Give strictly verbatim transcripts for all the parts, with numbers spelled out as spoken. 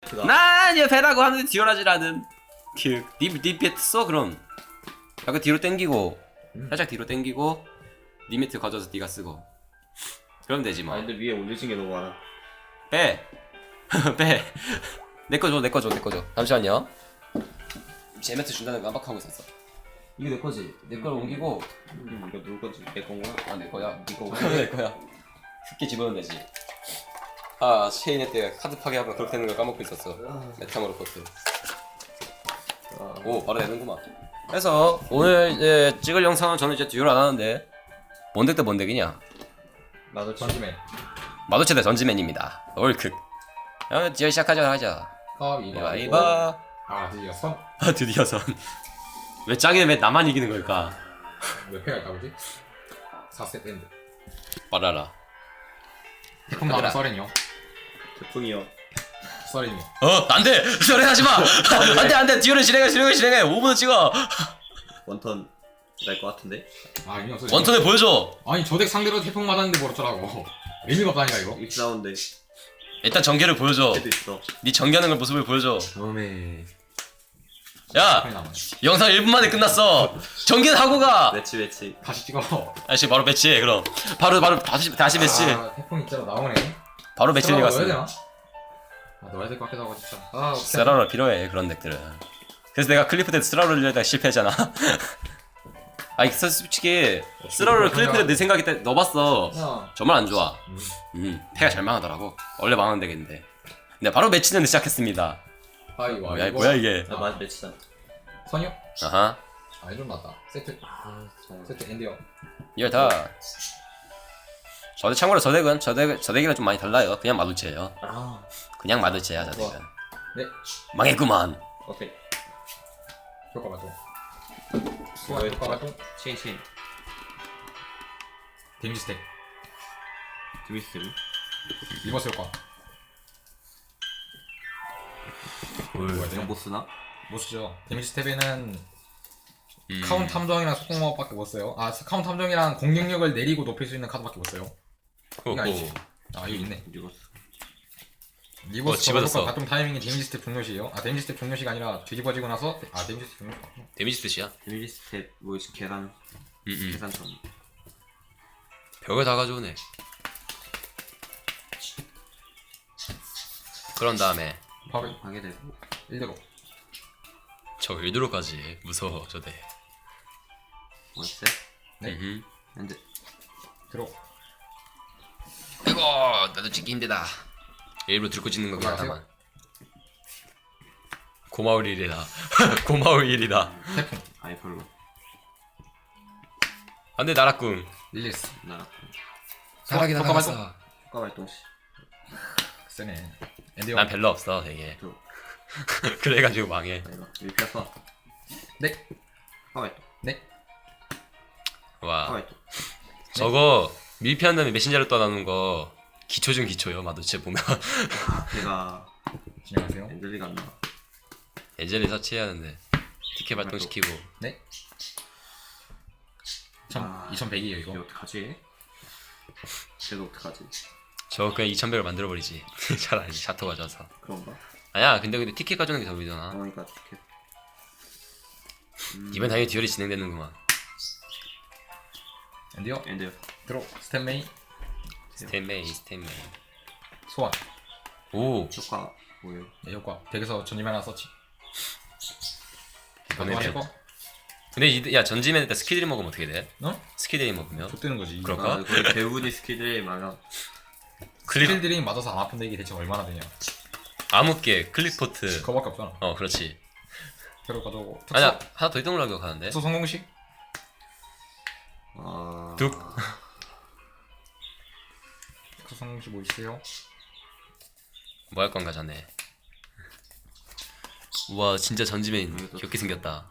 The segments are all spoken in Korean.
난 옆에라고 하는데 듀얼하지라는 그니 배트 써 그럼 약간 뒤로 당기고 음. 살짝 뒤로 당기고 니 매트 가져와서 네가 쓰고 그러면 되지 뭐. 아 근데 위에 올려진 게 너무 많아. 빼! 빼! 내거 줘, 내거 줘, 내거 줘. 잠시만요. 제 매트 준다는 거 깜빡하고 있었어. 이거 내 거지? 내 걸 옮기고. 음, 이거 누구 건지 내 건가? 아, 내 거야. 이거 내 거야. 쉽게 집어넣으면 되지. 아, 체인에 때 카드 파괴하고 그렇게 되는 걸 까먹고 있었어. 메타모르 코트. 아, 오, 바로 되는구만. 그래서 오늘 이제 찍을 영상은 저는 이제 듀얼 안 하는데 뭔 덱 대 뭔 덱이냐? 나도 전지맨. 마도체 대 전지맨입니다. 올크. 어, 듀얼 시작하자 하자. 아 이거 이봐 이봐. 아 드디어 선. 아 드디어 선. 왜 짱이는 왜 나만 이기는 걸까? 몇 패가 있다 보지? 사 세트 엔드. 말아라. 태풍 나라 서렌이요. 태풍이요. 서렌이요. 어 안돼. 저래 하지 마. 안돼 안돼. 듀얼은 진행해 진행해 진행해. 오 분을 찍어. 원턴 날 것 같은데? 아 의미 없어. 원턴에 보여줘. 아니 저 덱 상대로 태풍 맞았는데 뭐 어쩌라고. 의미가 없다니까 이거. 일치 나오는데 일단 전개를 보여줘. 해도 있어. 네 전개하는 걸 모습을 보여줘. 처음에 야 판이 남아요. 영상 일 분 만에 끝났어. 전개는 하고 가. 매치 매치. 다시 찍어. 아저씨 바로 매치해 그럼. 바로 바로 다시 다시 매치. 아, 태풍 있잖아 나오네. 바로 매치를 넣어야 갔어. 되나? 아 넣어야 될 것 같기도 하고 진짜. 아 스라로 필요해 그런 덱들은. 그래서 내가 클리프 때 스라로를 내다가 실패했잖아. 아니 솔직히 스라로를 클리프 때 내 생각에 때 넣어봤어. 야. 정말 안 좋아. 음. 음 패가 잘 망하더라고. 원래 망하는 덱인데. 근데 바로 매치는 시작했습니다. 아 이거 뭐야 이거. 뭐야 이게. 나 맞 매치다. 선이요? 아하. 아 이런 났다. 세트 아 잘. 세트 엔드요. 이걸 다. 저 덱 참고로 저 덱은 저 덱 저 덱이랑 좀 많이 달라요. 그냥 마두체예요. 아 그냥 마두체야 저 덱은. 네. 망했구만. 오케이. 효과 발동. 뭐야, 효과 효과 발동. 체인 체인. 데미지 스택. 드미스. 리버스 효과. 뭐야 이거 못 쓰나? 못 쓰죠. 데미지 스텝에는 음. 카운트 탐정이랑 속공마법밖에 못 써요. 아 카운트 탐정이랑 공격력을 내리고 높일 수 있는 카드밖에 못 써요. 이거 아니지. 아 이거 있네. 이거 리버스 어, 집어졌어. 효과 발동 타이밍이 데미지 스텝 종료시에요. 아 데미지 스텝 종료시가 아니라 뒤집어지고 나서 아 데미지 스텝 종료. 데미지 뜻이야. 데미지 스텝 뭐 계산 음, 계산선. 벽을 다 가져오네. 그런 다음에 파괴 파괴되고. 일대로. 저 일드로까지 무서워 저대. 월세. 네. 음. 현재 들어. 아이고 나도 찍기 힘들다. 일부러 들고 찍는 거긴 안녕하세요. 하다만. 고마울 일이다. 고마울 일이다. 태풍. 아예 별로. 안돼 나락궁. 릴리스. 나 사라긴 효과 나갔어. 발동. 효과 발동 시. 세네. 엔디오. 난 별로 없어 되게. 또 그래가지고 망해. 이거 밀피어 써. 네. 효과 발동. 네. 효과 와 발동. 저거 밀피한 다음에 메신저로 떠나는 거 기초 중 기초요. 마도체 보면 아 걔가 진행하세요. 엔젤리가 안 나와. 예전에 서치해야 하는데 티켓 발동시키고. 네. 아. 이천백이에요 이거. 이거 어떡하지? 쟤도 어떡하지? 저거 그냥 이천백을 만들어버리지. 차라리 샤토 가져와서. 그런가? 아니야 근데 근데 티켓 가져오는 게 더 위잖아. 그러니까 티켓. 음, 이번 당연히 듀얼이 진행되는구만. 엔디오. 엔데요. 들어. 스텝 메인. 스탠메이 스탠메이. 소환. 오 효과 뭐예요? 네, 효과. 덱에서 전지맨 하나 서치. 이번에 하실 거? 근데 이, 야 전지맨 때 스키드리 먹으면 어떻게 돼? 어? 스키드리 먹으면 좆되는 거지. 그럴까? 아, 거의 배우니 스킬들이 많아. 클립 스킬들이 맞아서 안 아픈데 이게 대체 얼마나 되냐. 암흑계 클리포트. 그거밖에 없잖아. 어 그렇지. 새로 가져오고. 특수. 아니야 하나 더 있던 걸로 기억하는데. 특수 성공식. 아... 뚝. 특수 성공식 뭐 있어요? 뭐 할 건가 자네. 우와 진짜 전지맨 이것도- 귀엽게 생겼다.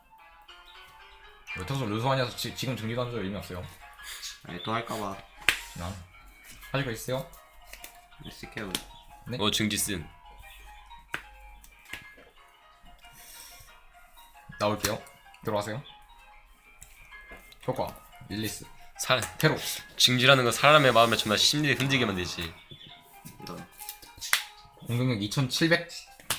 왜 특수 르소하냐서 지, 지금 정리도 안 줘요. 의미 없어요. 아니 또 할까봐. 난. 하실 거 있어요? 쓸게요. 네. 어 증지슨. 나올게요. 들어가세요. 효과. 릴리스. 살 테로. 증지라는 건 사람의 마음에 정말 심리를 흔들게 만들지. 이런. 공격력 이천칠백.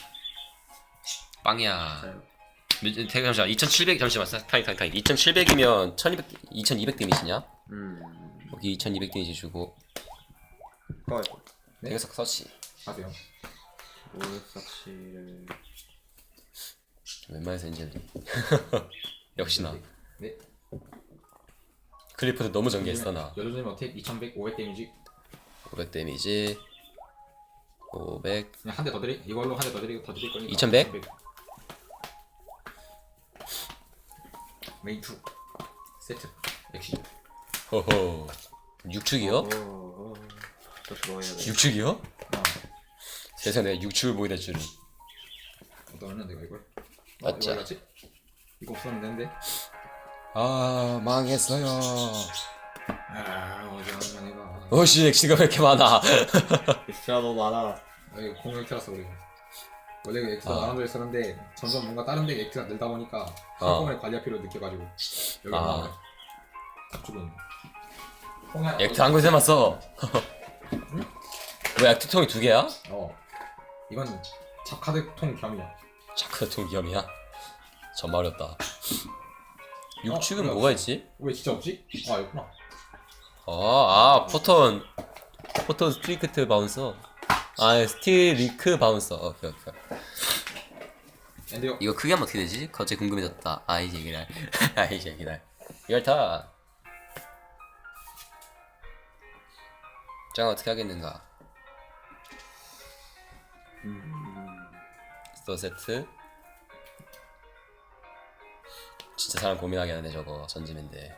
빵이야. 자요. 몇- 대- 잠시만 이천칠백 잠시만 타임 타임 타임 이천칠백이면 천이백 이천이백 데미지냐? 음. 여기 이천이백 데미지 주고 꺼. 네. 대각석 서치 하세요. 오싹시를 웬만해서 인젤리 역시나 네. 클리프도 너무 전개했어 나 여조님 어택 이천백 오백 데미지. 오백 데미지 오백 그냥 한 대 더 드리. 이걸로 한 대 더 드리고 더 드릴 거니까. 이천백? 메인 투 세트 엑시. 호호 육축이요? 어. 또 그거 해야 돼. 육축이요? 아, 세상에 내가 육축을 보게 될 줄은 어떠면 내가 이걸. 맞자. 어, 이거 알았지? 이거 없으면 되는데. 아 망했어요 아, 어제 한번 해봐. 어씨 엑시가 왜 이렇게 많아 엑스트라 너무 많아. 아, 이거 공격 틀었어 우리. 원래 그 엑스가 아. 나눠져 있었는데 점점 뭔가 다른 데 엑스가 늘다 보니까 어. 한꺼번에 관리할 필요를 느껴가지고 여기 아. 나오네. 죽은. 홍야. 액트 한 곳에만 써 왜 액트 통이 두 개야? 어. 이건 잡카드 통 겸이야. 자크 통 위험이야? 정말 어렵다 육축은 어, 뭐가 있지? 왜 진짜 없지? 아, 있구나. 아, 아 포톤 포톤 스트리크트 바운서 아 스티리크 바운서 오케이 오케이 엔드요. 이거 크게 하면 어떻게 되지? 갑자기 궁금해졌다 아이 제기랄 아이 제기랄 이걸 다 짱 어떻게 하겠는가 음. 스토어 세트 진짜 사람 고민하게 하네 저거 전지맨데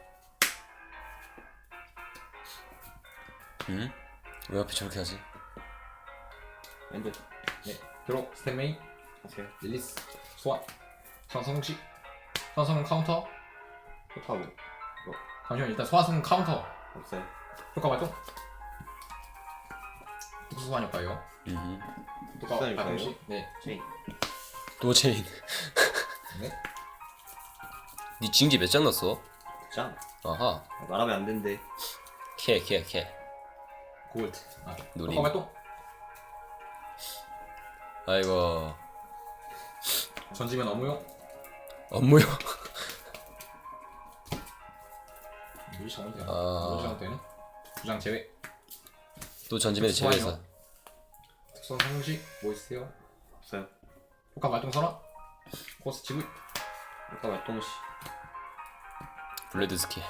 응? 왜 앞에 저렇게 하지? 엔드. 네. 드로 스탠 메인. 하세요. 릴리스. 소환. 상성식. 소환성은 카운터. 효과고. 잠시만 일단 소환성은 카운터. 없어요. 효과 발동. 특수 소환 효과예요. 음. 효과 소환 발동식. 효과예요? 네. 체인. 또 체인 네. 니 징지 몇 장 넣었어? 짱. 아하 말하면 안 된대. 캐캐캐 골드. 아, 누림. 효과 발동. 아이고 전지면 업무용. 업무요 유지 정원 되나? 아. 유지 정원 되네. 두장 제외. 또 전지맨 소환이요? 제외해서 특수 상식 뭐 있으세요? 없어요. 효과 발동 선언. 코스 지불. 효과 발동시. 블레드 스킬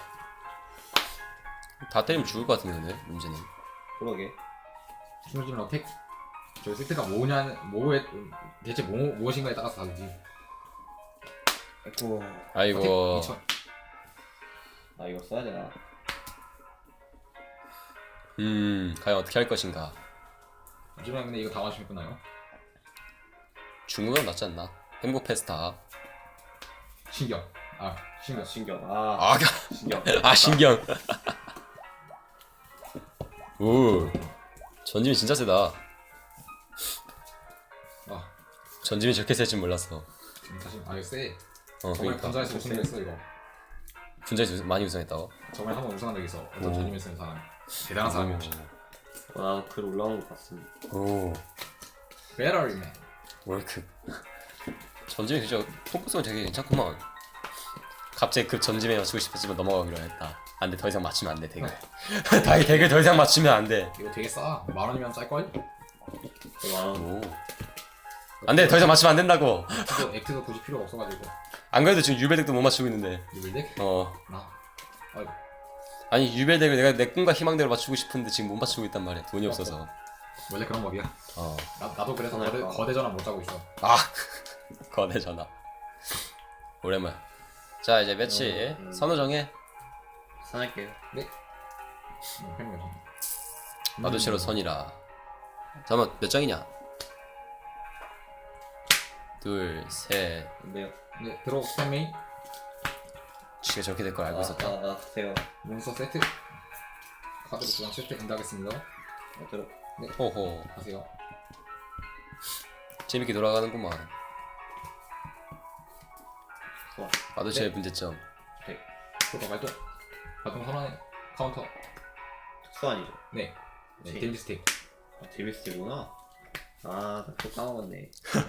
다 때리면 죽을 것 같은데 근데 문제는 그러게. 충분지면 어택. 저 세트가 뭐냐, 뭐에 대체 뭐 무엇인가에 따라서 다르지. 아이고. 아이고 어택 이천. 아 이거 써야 되나? 음 과연 어떻게 할 것인가 하지만 근데 이거 다 맞추면 끝나요. 중국은 낫지 않나? 행복 페스타 신경. 아 신경. 신경. 아. 아, 신경. 아 신경 오 전지민 진짜 세다 아 전지민 저렇게 셀 줄 몰랐어 지금 사실 아 이거 세. 어 저번에 그러니까 분자에서 우승했어 이거. 분자에서 많이 우승했다고 저번에 한 번 우승한 적 있어. 어떤 오. 전임을 쓰는 사람. 대단한 사람이었지. 아, 글 올라온 거 봤습니다. 오 배터리맨. 월크 전지민 진짜 폼포스가 되게 괜찮구만 갑자기 그 전지민 맞추고 싶었지만 넘어가기로 했다 안돼 더 이상 맞추면 안돼 덱을 다이 덱을 더 이상 맞추면 안돼 이거 되게 싸. 만 원이면 짤 걸? 만 오 안돼 더 이상 맞추면 안 된다고 액트도, 액트도 굳이 필요가 없어가지고. 안 그래도 지금 유벨덱도 못 맞추고 있는데 유빌덱? 어 나. 아이고. 아니 유벨덱을 내가 내 꿈과 희망대로 맞추고 싶은데 지금 못 맞추고 있단 말이야 돈이 없어서 원래 그런 법이야. 어 나, 나도 그래서 전화할 거대, 거야. 거대 전화 못 자고 있어. 아 거대 전화 오랜만 자 이제 매치 음. 선우 정해 산할게요. 응, 팬이야. 마도체로 선이라 잠깐만 몇 장이냐 둘셋 근데요. 네, 들어 스탠 메인. 지가 저렇게 될 걸 알고 아, 있었다 아, 아, 세요. 몬스터 세트. 카드로 두장 세트 엔드하겠습니다. 아, 들어. 호호 하세요. 재밌게 돌아가는구만 좋아. 마도체의 네. 문제점 효과 발동. 발동 선언해. 카운터. 특수한이죠. 네. 네, 지. 데미지 스틱. 아, 디비스티구나. 아, 나 또 까먹었네.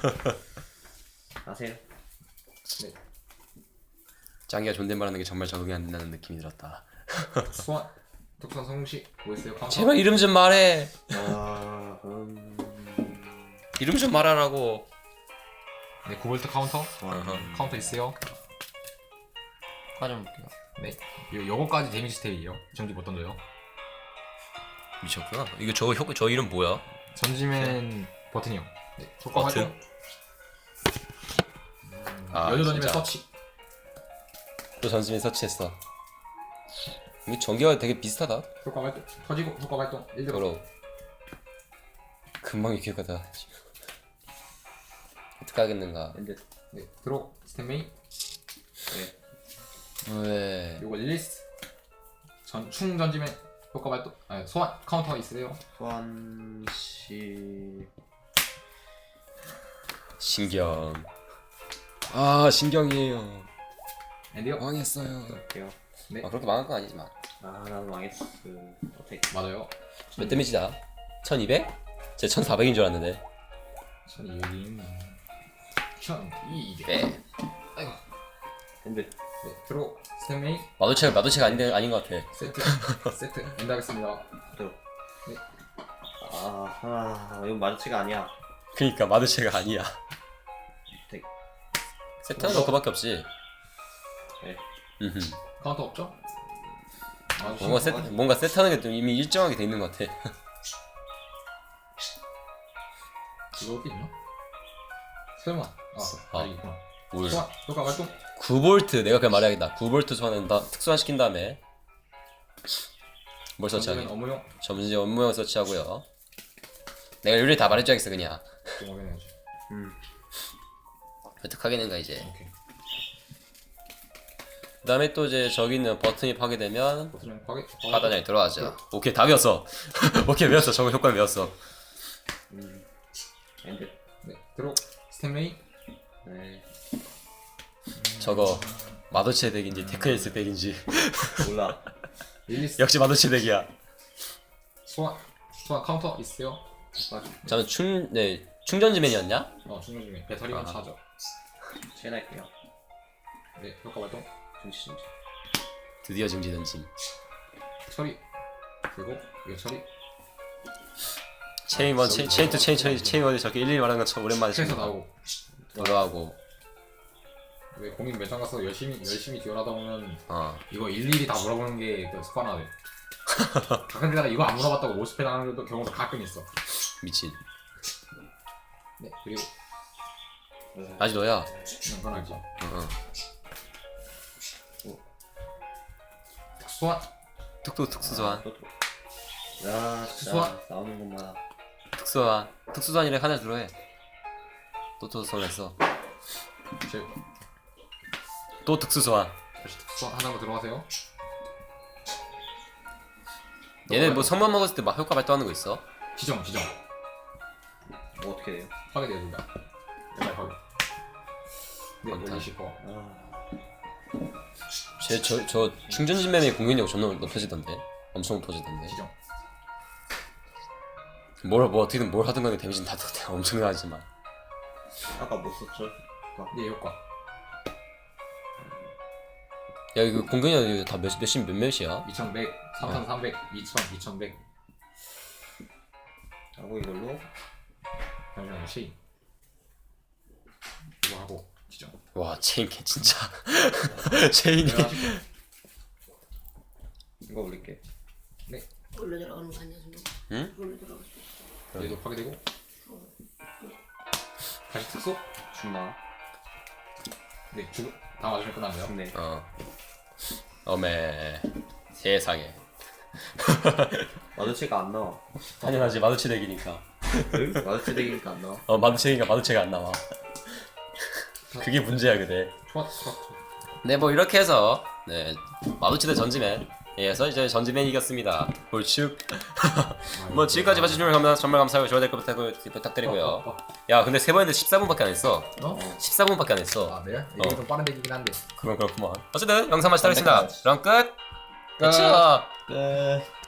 아세요? 네. 짱이가 존댓말하는 게 정말 적응이 안 된다는 느낌이 들었다. 소환. 특수한 성공시 뭐 있어요? 카운터. 제발 이름 좀 말해. 아, 음. 이름 좀 말하라고. 네, 구볼트 카운터. 어허. 카운터 있어요. 가져볼게요. 네. 요 요거까지 데미지 스테이예요. 전기 못 던져요. 미쳤구나. 이거 저 효과 저 이름 뭐야? 전지맨 버튼이요. 네. 효과 버튼? 활동. 아, 여주 던지면 진짜. 서치. 또 전지맨 서치했어. 이거 전기가 되게 비슷하다. 효과 발동. 터지고 효과 발동. 일 들어. 더러. 금방 익혀가다. 어떻게 하겠는가? 엔드. 네. 들어. 스탠메이. 네. 왜? 요거 릴리스. 전충 전지맨 효과 발동. 아, 소환 카운터 있어요. 소환 씨. 신경. 아 신경이에요. 엔디요. 망했어요. 할게요. 네. 아 그렇게 망한 건 아니지만. 아, 나도 망했어. 어택. 맞아요. 몇 데미지다? 천이백? 제 천사백인 줄 알았는데. 천이백인. 천이백. 네. 아이고. 엔드. 네. 들어. 스탠메이. 마도체가 마도체가 아닌데 아닌 것 같아. 세트. 세트. 엔드 하겠습니다. 들어. 네. 아, 아, 이건 마주치가 아니야. 그니까 마도체가 아니야. 택. 세트는 너 그밖에 없지. 네. 음흠. 카운터 없죠? 아, 뭔가 세트 뭔가 세트하는 게 좀 이미 일정하게 돼 있는 것 같아. 이거 어디 있나? 설마. 아, 아. 아 있구나. 뭘? 소환. 효과 발동. 구 볼트 내가 그냥 말해야겠다. 구 볼트 소환은 다 특수화 시킨 다음에 뭘 전지맨 서치하기? 업무용. 점지 업무용 서치하고요. 내가 룰을 다 말해줘야겠어 그냥. 좀 확인해야지. 음. 어떻게 하겠는가 이제. 오케이. 그 다음에 또 이제 저기 있는 버튼이 파괴되면 버튼은 파괴. 바다장에 들어가죠. 오케이 다 외웠어. 오케이 외웠어. 저거 효과 외웠어. 음. 엔드. 네. 들어. 스탠메이. 네. 저거 마도체 덱인지 테크니스 덱인지 몰라. 릴리스. 역시 마도체 덱이야. 소환. 소환 카운터 있어요. 저는 충, 네 충전지맨이었냐? 어, 충전 중에 배터리가 아. 차죠. 체인할게요. 네. 효과 발동. 중지 중지. 드디어 증지 던짐. 처리. 그리고 이거 처리. 체인 원, 체인, 체인 투 체인 체인 체인 원이 저렇게 일일이 말하는 것처럼 오랜만에 스트레스 지금 나오고. 돌아가고. 왜 공인 매장 가서 열심히 열심히 지원하다 보면 어. 이거 일일이 다 물어보는 게그 습관화돼. 가끔가다 이거 안 물어봤다고 오십 회 당하는 것도 경우도 가끔 있어. 미친. 네. 그리고 아직 너야. 음, 그건 알지. 어, 어. 소환. 특수 특수 소환. 또 들어. 야, 진짜 소환. 나오는 것마다. 특수 소환. 특수 소환이래 하나 들어해. 또또 소환했어. 제 또 특수 소환. 다시 소환 하나로 들어가세요. 얘네 뭐 성만 먹었을 때 막 효과 발동하는 거 있어? 지정 지정. 뭐 어떻게 돼요? 파괴돼야 된다. 옛날 파괴. 네. 원탄. 올리실 거. 아, 쟤저 저 충전진맨의 공격력 존나 높아지던데. 엄청 높아지던데. 지정. 뭘 뭐 어떻게든 뭘 하든 간에 데미지는 다 엄청나지만. 아까 못 썼죠? 네 효과. 야 이거 공격력 다 몇, 몇십 몇 몇이야? 이천백, 삼천삼백, 이천, 이천백. 하고 이걸로 잠시만요. 체인. 이거 하고 지정. 와 체인 개 진짜. 체인이. 내가 하실게. 이거 올릴게. 네. 올려 들어가는 거 아니야 지금? 응? 올려 들어갔어. 얘도 파괴되고. 다시 특수. 죽나? 네. 죽. 다 맞으면 끝납니다. 죽네. 어. 어메. 세상에. 마주치가 안 나와. 당연하지 마두치 덱이니까. 마주치 되기니까 안 나와. 어 마두치니까 마두치가 안 나와. 그게 문제야 그대. 좋아, 좋아, 좋아. 네 뭐 이렇게 해서 네 마두치 대 전지맨. 에서 이제 전지맨이 이겼습니다. 볼축. 뭐 지금까지 봐주신 분 정말 감사하고 좋아요 댓글 부탁, 부탁드리고요. 어, 어, 어. 야 근데 세 번인데 십사 분밖에 안 했어. 어? 십사 분밖에 안 했어. 아, 네? 이게 좀 빠른 얘기긴 한데. 그건 그렇구만. 어쨌든 영상 마치도록 하겠습니다. 그럼 끝. 끝. 끝이야. 끝.